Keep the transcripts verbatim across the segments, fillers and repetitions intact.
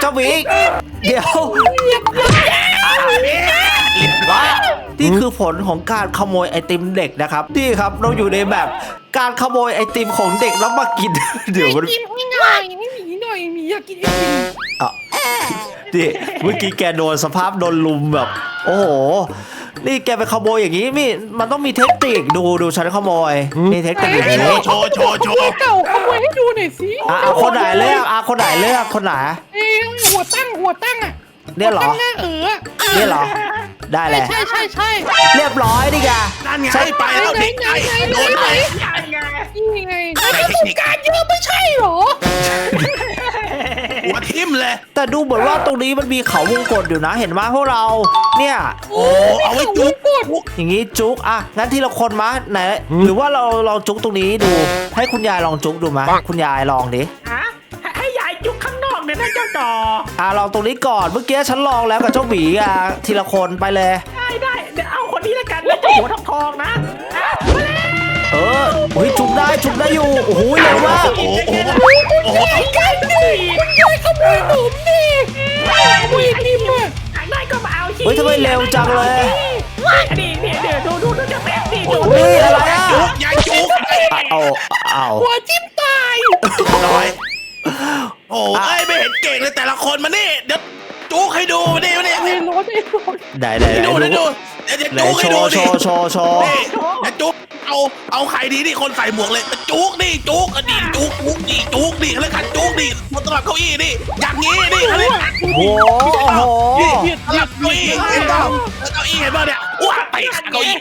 เจ้าหมีเดี๋ยวว่านี่คือผลของการขโมยไอติมเด็กนะครับนี่ครับเราอยู่ในแบบการขโมยไอติมของเด็กแล้วมากินเดี๋ยวมันกินให้หน่อยไม่หมีหน่อยหมีอยากกินไอติมอ่ะนี่เมื่อกี้แกโดนสภาพโดนลุมแบบโอ้โหนี่แกไปขโมยอย่างนี้มีมันต้องมีเทคนิคดูดูฉันขโมยนี่เทคนิคอย่างนี้โชว์โชว์โชว์เก่าขโมยให้ดูหน่อยสิอ่ะคนไหนเลือกอ่ะคนไหนเลือกคนไหนเอ้หัวตั้งหัวตั้งอ่ะเนี่ยเหรอหน้าเออเนี่ยเหรอได้เลยใช่ใช่ใช่เรียบร้อยดิแกนั่นไงไปแล้วเด็กไอ้โดนไปนี่ไงแล้วต้องการเยอะไม่ใช่หรอหัวทิ่มเลยแต่ดูเหมือนว่าตรงนี้มันมีเขาวงกตอยู่นะเห็นไหมพวกเราเนี่ยโอ้เอาไว้จุ๊บอย่างนี้จุกอ่ะงั้นทีละคนมาไหนหรือว่าเราลองจุกตรงนี้ดูให้คุณยายลองจุกดูไหมคุณยายลองดิฮะให้ยายจุกข้างนอกเนี่ยนะเจ้าต่ออ่ะลองตรงนี้ก่อนเมื่อกี้ฉันลองแล้วกับเจ้าหมีอ่ะทีละคนไปเลยได้ได้เดี๋ยวเอาคนนี้แล้วกันแล้วเจ้าหัวทองทองนะอ่ะมาเลยเออเฮ้ยจุกได้จุกได้อยู่โอ้โหเร็วมากโอ้โหโอ้โหกันดิยายขโมยหนุ่มดิขโมยไอติมอ่ะอยากได้ก็มาเอาสิเฮ้ยทำไมเร็วจังเลยนี่นี่เดี๋ยวดูดูดูจะแป๊บดิดูเฮ้ยอะไรอ่ะจุ๊บยายจุ๊บเอาเอาหัวจิ้มตายน้อยโอ้ยไม่เห็นเก่งเลยแต่ละคนมานี่เดี๋ยวจุ๊กให้ดูมาดิมาดิเรียนรถไอ้รถไหนไหนไหนดูดูดูเดี๋ยวไหนจุ๊กให้โชดูว์โชดิว์โชว์โชว์นี่จะจุ๊กเอาเอาใครดีนี่คนใส่หมวกเลยจุ๊กนี่จุ๊กดีจุ๊กจุ๊กดีจุ๊กดีเขาเรียกกันจุ๊กดีบนตลับเก้าอี้นี่อย่างนี้นี่เขาเรียกโอ้โหโอ้โหนี่ตลับเก้าอี้เห็นเปล่าเก้าอี้เห็นเปล่าเนี่ยว้าเตะเก้าอี้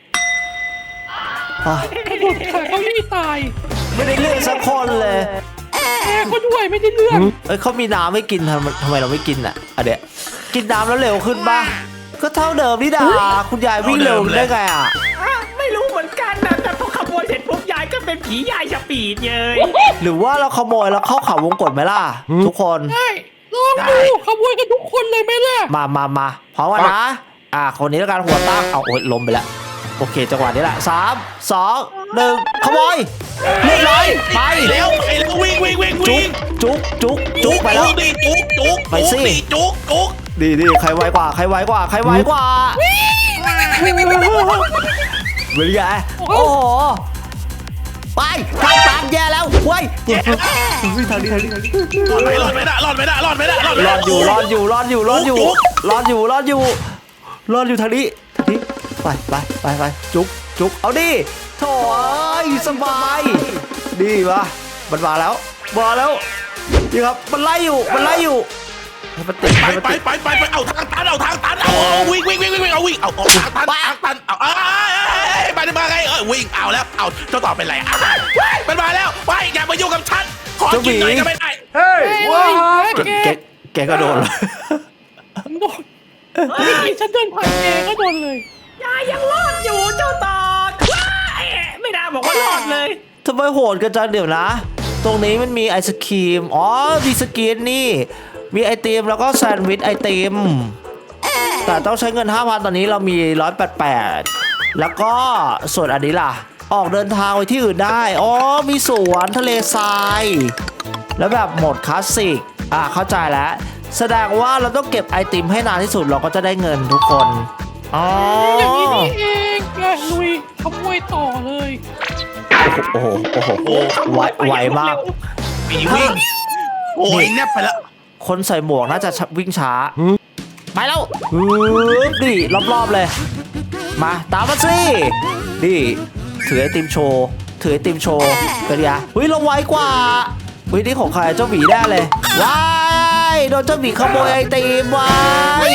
อ่ะกระโดดขาเขายี่ตายไม่ได้เลือกสักคนเลยแกก็ด้วยไม่ได้เรื่องเอ้ยเขามีน้ำให้กินทำไมทำไมเราไม่กินอ่ะอ่ะเดี๋ยวกินน้ำแล้วเร็วขึ้นป่ะก็เท่าเดิมนี่ดาคุณยายวิ่งเร็วได้ไงอ่ะอ่ะไม่รู้เหมือนกันนะแต่พอขโมยเสร็จปุ๊บยายก็เป็นผียายสปีดเลยหรือว่าเราขโมยแล้วเข้าเขาวงกตไหมล่ะทุกคนได้ลองดูขโมยกันทุกคนเลยไหมล่ะมามามาพร้อมกันนะอ่ะคนนี้แล้วกันหัวตั้งเอาโอ๊ยล้มไปแล้วโอเคจังหวะนี้แหละสามสองหนึ่งขโมยเรียบร้อยไปเร็วไปเร็ววิ่งวิ่งวิ่งจุวิ่กงจุกจุกจุกไปแล้วดีจุกจุกไปสิดีจุกจุกดีดีใครไวกว่าใครไวกว่าใครไวกว่าเป็นไงโอ้โหไปทางตามแย่แล้วเว้ยทางนี้ทางนี้ทางนี้รอดไหมรอดไหมนะรอดไหมนะรอดไหมนะรอดไหมรนะอดอยู่รอดอยู่รอดอยู่รอดอยู่รอดอยู่รอดอยู่รอดอยู่ทางนี้ทางนี้ไปไปไปไปจุกจุกเอาดิโถ่สบายดีวะมันมาแล้วมาแล้วนี่ครับมันไล่อยู่มันไล่อยู่ให้มันติดไปให้มันไปติดไปไปไปเอาทางตันเอาทางตันเอาเอาวิ่งวิ่งวิ่งวิ่งเอาวิ่งเอาเอาทางตันทางตันเอาเอ้ยไปมาไงเอ้ยวิ่งเอาแล้วเอาเจ้าต่อเป็นไรอ่ะมันมาแล้วไปอย่ามายุ่งกับฉันขอกินหน่อยก็ไม่ได้เฮ้ยว้าแกแกแกก็โดนโดนนี่ฉันเดินผ่านแกก็โดนเลยยายยังรอดอยู่เจ้าต่อว้ายไม่ได้บอกว่ารอดเลยทำไมโหดกันจังเดี๋ยวนะ ตรงนี้มันมีไอศครีมอ๋อมีสกินนี่มีไอติมแล้วก็แซนด์วิชไอติมแต่ต้องใช้เงิน ห้าพัน ตอนนี้เรามีหนึ่งร้อยแปดสิบแปดแล้วก็ส่วนอันนี้ล่ะ ออกเดินทางไปที่อื่นได้อ๋อมีสวนทะเลทรายแล้วแบบโหมดคลาสสิกอ่ะเข้าใจแล้วแสดงว่าเราต้องเก็บไอติมให้นานที่สุดเราก็จะได้เงินทุกคนอ๋ออย่างนี้นี่เองแกลุยขโมยต่อเลยโอ้โหโอ้โหไวไวมากมีวิ่งโอ้ยแนบไปแล้วคนใส่หมวกน่าจะวิ่งช้าไปแล้วฮึบดิรอบๆเลย มาตามมาสิดิถือไอติมโชว์ถือไอติมโชว์เป็นไงเฮ้ยเราไวกว่าเฮ้ยนี่ของใครเจ้าหมีแน่เลยว้ายโดนเจ้าหมีขโมยไอติมว้าย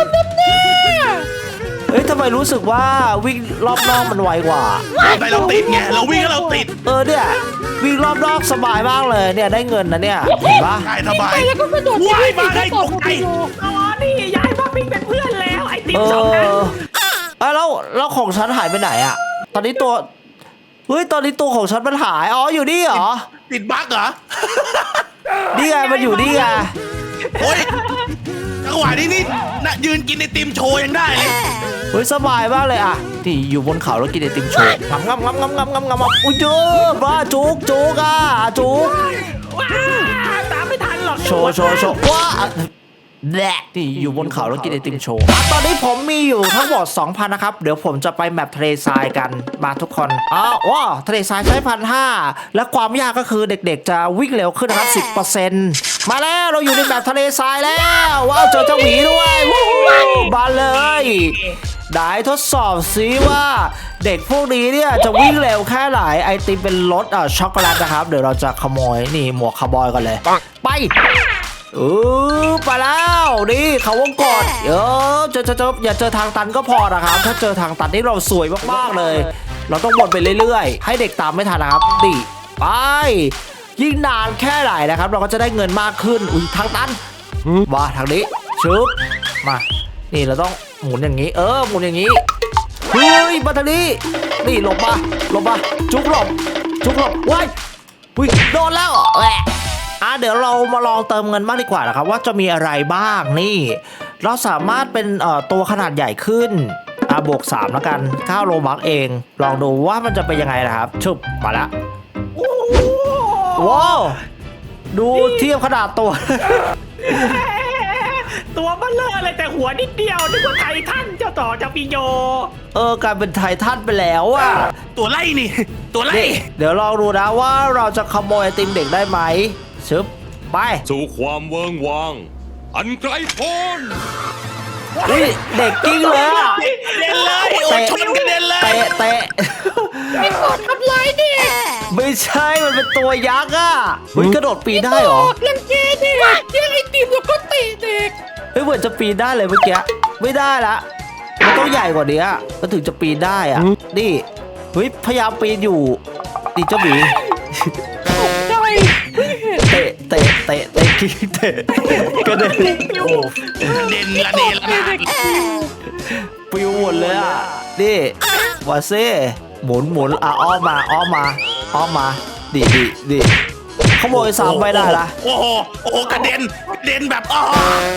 เฮ้ยทำไมรู้สึกว่าวิ่งรอบนอกมันไวกว่าไปเราติดไงเราวิ่งแล้วเราติดเออเนี่ยวิ่งรอบนอกสบายมากเลยเนี่ยได้เงินนะเนี่ยเห็นปะได้สบายไปแล้วก็กระโดดว้ายมาได้ต่อตกใจโลอ๋อนี่ยายว่าปิ้งเป็นเพื่อนแล้วไอติมเอสองอันอเอ้ยแล้วแล้วของฉันหายไปไหนอะตอนนี้ตัวเฮ้ยตอนนี้ตัวของฉันมันหายอ๋ออยู่นี่เหรอติดบั๊กเหรอนี่ไงมันอยู่นี่ไงโอ้ยจังหวะนี้นี่น่ะยืนกินไอติมโชว์ยังได้เลยเฮ้ยสบายมากเลยอะที่อยู่บนเขาแล้วกินไอติมโชว์งำงำงำงำงำงำงำอุ้ยเยอะบ้าจุกจุกอะจุกว้าตามไม่ทันหรหรอกโชว์โชว์โชว์ว้าแหละนี่อยู่บนเขาแล้วกินไอติมโชว์อ่ะตอนนี้ผมมีอยู่ทั้งหมด สองพัน นะครับ เดี๋ยวผมจะไปแมปทะเลทรายกันมาทุกคนอ้าวว้าทะเลทรายใช้พันห้าและความยากก็คือเด็กๆจะวิ่งเร็วขึ้นนะครับ สิบเปอร์เซ็นต์ มาแล้วเราอยู่ในแมปทะเลทรายแล้วว้าวเจอเจ้าหมีด้วยวู้ฮู้มาเลยได้ทดสอบซิว่าเด็กพวกนี้เนี่ยจะวิ่งเร็วแค่ไหนไอติมเป็นรสอ่ะช็อกโกแลตนะครับเดี๋ยวเราจะขโมยนี่หมวกคาร์บอยกันเลยไปเออไปแล้วนี่เขาวงกดเออเจอเจอเจออย่าเจอทางตันก็พอนะครับถ้าเจอทางตันนี่เราสวยมากๆเลย เราต้องวนไปเรื่อยๆให้เด็กตามไม่ทันนะครับดิไปยิ่งนานแค่ไหนนะครับเราก็จะได้เงินมากขึ้นอุ้ยทางตันมาทางนี้ชึบมานี่เราต้องหมุนอย่างนี้เออหมุนอย่างนี้เฮ้ยมาทางนี้นี่หลบมาหลบมาจุกหลบจุกหลบว้ายอุ้ยโดนแล้วแหละอ่ะเดี๋ยวเรามาลองเติมเงินบ้างดีกว่านะครับว่าจะมีอะไรบ้างนี่เราสามารถเป็นเอ่อตัวขนาดใหญ่ขึ้นอ่ะบวกสามแล้วกันเก้าโลบัคเองลองดูว่ามันจะเป็นยังไงนะครับชุบมาละโอ้โหว้าวดูเทียบขนาดตัวตัวเบลเลอร์เลยแต่หัวนิดเดียวนึกว่าไททันเจ้าต่อเจ้าปิโยเออกลายเป็นไททันไปแล้วอ่ะตัวไล่นี่ตัวไล่นี่เดี๋ยวลองดูนะว่าเราจะขโมยไอติมเด็กได้ไหมชึบไปสู่ความเวิงวางอันไกลโพ้นอุ้ยเด็กกิ้งเลยอะเด่นเลยโอ้ยชนกระเด็นเลยเตะเตะไอ้กอดทำร้ายเด็กไม่ใช่มันเป็นตัวยักษ์อ่ะเฮ้ยกระโดดปีนได้เหรอรังแกเด็กแย่งไอติมแล้วก็เตะเด็กเฮ้ยเหมือนจะปีนได้เลยเมื่อกี้ไม่ได้ละมันต้องใหญ่กว่านี้ก็ถึงจะปีนได้อ่ะนี่เฮ้ยพยายามปีนอยู่ดิเจ้าหมีตกใจเพิ่งเห็นเตะเตะเตะเตะกิ้งเตะกระเด็นโอ้เด่นละเด่นละเด็กคิวปิวหมดเลยอ่ะนี่วาเซ่หมุนหมุนอ่ะอ้อมมาอ้อมมาอ้อมมาดิดิดิขโมยสามไปได้ละโอ้โหโอ้โหกระเด็นกระเด็นแบบอ๋อ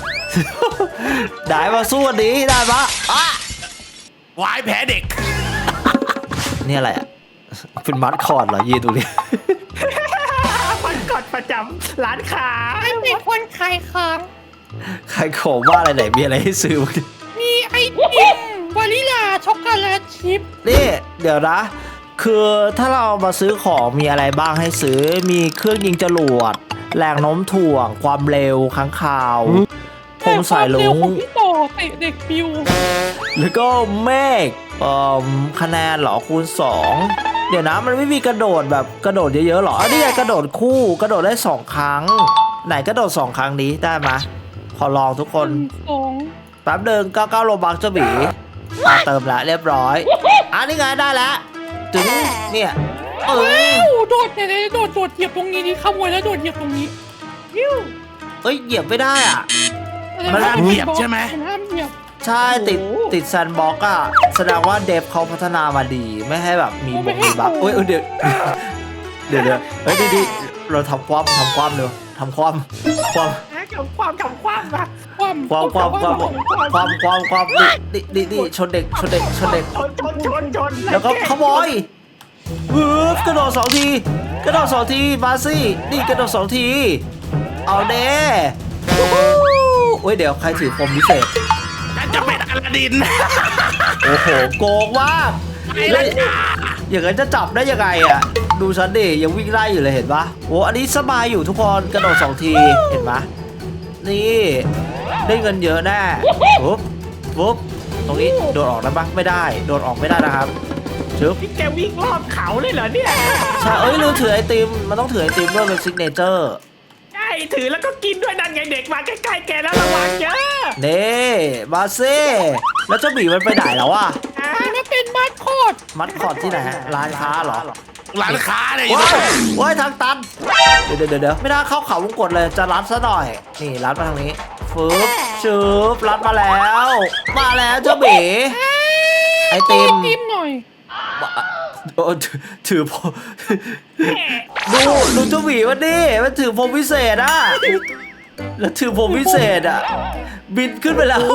ได้มาสู้กันดีได้ปะอ่ะวายแผลเด็กนี่อะไรอ่ะเป็นมัดคอร์ดเหรอยีดูดิมันกดประจำร้านค้าไอ้เด็กคนขายของใครโขมว่าอะไรไหนมีอะไรให้ซื้อบ้างดิมีไอติมวานิลาช็อกโกแลตชิพนี่เดี๋ยวนะ คือถ้าเรามาซื้อของมีอะไรบ้างให้ซื้อมีเครื่องยิงจรวดแรงโน้มถ่วงความเร็วค้างคาวผมสายลุแต่ควมเร็วงของพี่ต่อเตะเด็กปิวแล้วก็เมฆเอ่อคะแนนเหรอคูณสองเดี๋ยวนะมันไม่มีกระโดดแบบกระโดดเยอะๆหรออันนี้ไงกระโดดคู่กระโดดได้สองครั้ง ไหนกระโดดสองครั้งนี้ได้ไหมยขอลองทุกคนสองแป๊บเดินเก้าเก้าโลบักเจ้าหมีมาเติมละเรียบร้อยอันนี้ไงได้แล้วถึงเนี่ยเออว้าวโดดเนี่ยโดดโดดเหยียบตรงนี้นี่ขโมยแล้วโดดเหยียบตรงนี้ยิ้วเอ้ยเหยียบไม่ได้อ่ะมันห้ามเหยียบใช่ไหมนห้ามเหยียบใช่ติดติดแซนด์บ็อกซ์อ่ะแสดงว่าเดฟเขาพัฒนามาดีไม่ให้แบบมีบกมีบักเอ้ยเอ้ยเดี๋ยวเดี๋ยวเดี๋ยวเฮ้ยดีดีเราทำความทำความเร็วทำความความทำความทำความมาความความความความความความความดิดิดิชนเด็กชนเด็กชนเด็กชนชนชนชนแล้วก็ขโมยฮึบกระโดดสองทีกระโดดสองทีมาสินี่กระโดดสองทีเอาเด้วู้ฮู้เฮ้ยเดี๋ยวใครถือคมพิเศษฉันจะเป็นอลาดินโอ้โหโกงมากไอ้ละจ้าอย่างนั้นจะจับได้ยังไงอ่ะดูฉันดิยังวิ่งไล่อยู่เลยเห็นปะโอ้อันนี้สบายอยู่ทุกคนกระโดดสองทีเห็นปะนี่ได้เงินเยอะแน่ปุ๊บปุ๊บตรงนี้โดดออกได้ปะไม่ได้โดดออกไม่ได้นะครับชึบพี่แกวิ่งรอบเขาเลยเหรอเนี่ยใช่เอ้ยลืมถือไอติมมันต้องถือไอติมด้วยเป็นซิกเนเจอร์ใช่ถือแล้วก็กินด้วยนั่นไงเด็กมาใกล้ๆแกแล้วระวังเยอะเน่มาเซ่แล้วเจ้าหมีมันไปไหนแล้วอะอ่ะนี่มันเป็นมาสคอตมัดคอร์ดที่ไหนฮะร้านค้าเหรอร้านค้าเนี่ยว้ายว้ายทางตันเดี๋ยวเดี๋ยวเดี๋ยวไม่น่าเข้าเขาวงกดเลยจะรัดซะหน่อยนี่รัดมาทางนี้ฟึบชืบรัดมาแล้ว มาแล้วเจ้าหมีไอติมติมหน่อยโอ้ถือถือพมดูดูเจ้าหมีมันดิมันถือพรมพิเศษอะแล้วถือพรมพิเศษอะบินขึ้นไปแล้ว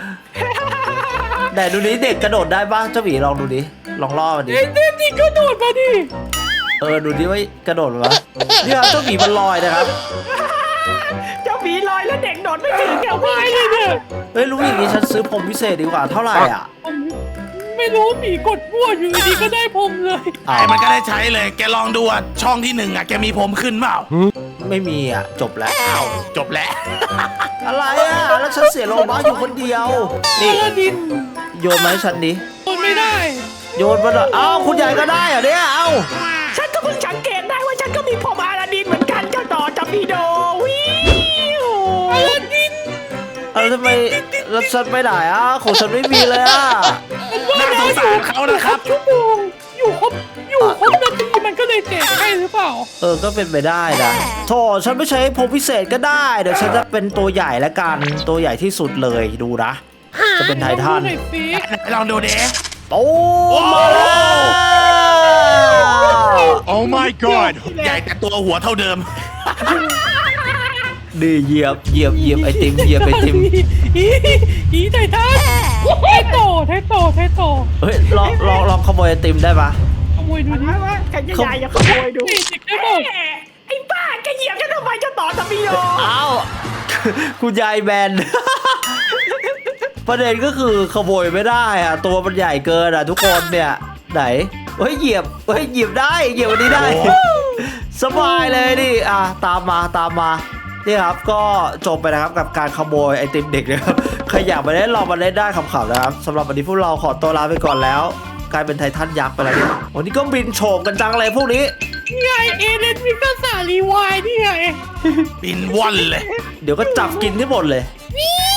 แต่ดูนี้เด็กกระโดดได้บ้างเจ้าหมีลองดูดิลองล่อมันดิเอ็นเดนนี่ก็โดดมาดิเออดูดิว่ากระโดดมั้ยเนี่ยเจ้าหมีมันลอยนะครับเจ้าหมีลอยแล้วเด็กโดดไม่ถึงแกเอาไปวิ่งเลยเนี่ยเฮ้ยรู้อย่างนี้ฉันซื้อผมพิเศษดีกว่าเท่าไหร่อ่ะผมไม่รู้หมีกดมั่วอยู่ดีๆก็ได้ผมเลยอ้าไอ้วมันก็ได้ใช้เลย แกลองดูอ่ะช่องที่หนึ่งอ่ะแกมีผมขึ้นเปล่าไม่มีอ่ะจบแล้วอ้าวจบแล้วอะไรอ่ะแล้วฉันเสียโลบัคอยู่คนเดียวนี่อลาดินโยนมาให้ฉันดิทนไม่ได้โยนมาหน่อยเอ้าคุณยายก็ได้เหรอเนี่ยเอ้าฉันก็เพิ่งสังเกตได้ว่าฉันก็มีผมอาลาดินเหมือนกันเจ้าต่อจับปีโดวิวอลาดินเออทำไมแล้วฉันไปไหนอ่ะของฉันไม่มีเลยอ่ะน่าสงสารเขานะครับชั่วโมงอยู่ครบอยู่ครบนาทีมันก็เลยแจกให้หรือเปล่าเออก็เป็นไปได้นะโธ่ฉันไม่ใช้ผมพิเศษก็ได้เดี๋ยวฉันจะเป็นตัวใหญ่แล้วกันตัวใหญ่ที่สุดเลยดูนะจะเป็นไททันลองดูหน่อยสิลองดูเด้โอ้มาแล้ว Oh my god ใหญ่แต่ตัวหัวเท่าเดิมดีเหยียบเหยียบเหยียบไอติมเหยียบไอติมอีอีไททันไทโตไทโตไทโตเฮ้ยลองลองลองขโมยไอติมได้ปะขโมยดูดิว่าว่าแกจะยายอย่าขโมยดูนี่เด็กได้บอกแหมไอ้บ้าแกเหยียบฉันทำไมเจ้าต่อจับปีโดเอ้า คุณยายแบน ประเด็นก็คือขโมยไม่ได้อะตัวมันใหญ่เกินอะทุกคนเนี่ยไหนเฮ้ยเหยียบเฮ้ยเหยียบได้เหยียบอันนี้ได้ สบายเลยดิอ่ะตามมาตามมานี่ครับก็จบไปนะครับกับการขโมยไอติมเด็กนะครับใครอยากมาเล่นลองมาเล่นได้ขำๆนะครับสำหรับวันนี้พวกเราขอตัวลาไปก่อนแล้ว กลายเป็นไททันยักษ์ไปแล้วเนี่ยวันนี้ก็บินโฉบกันจังเลยพวกนี้นี่ไงเอเลนมิกาสารีวายนี่ไงบินว่อนเลยเดี๋ยวก็จับกินที่หมดเลยนี่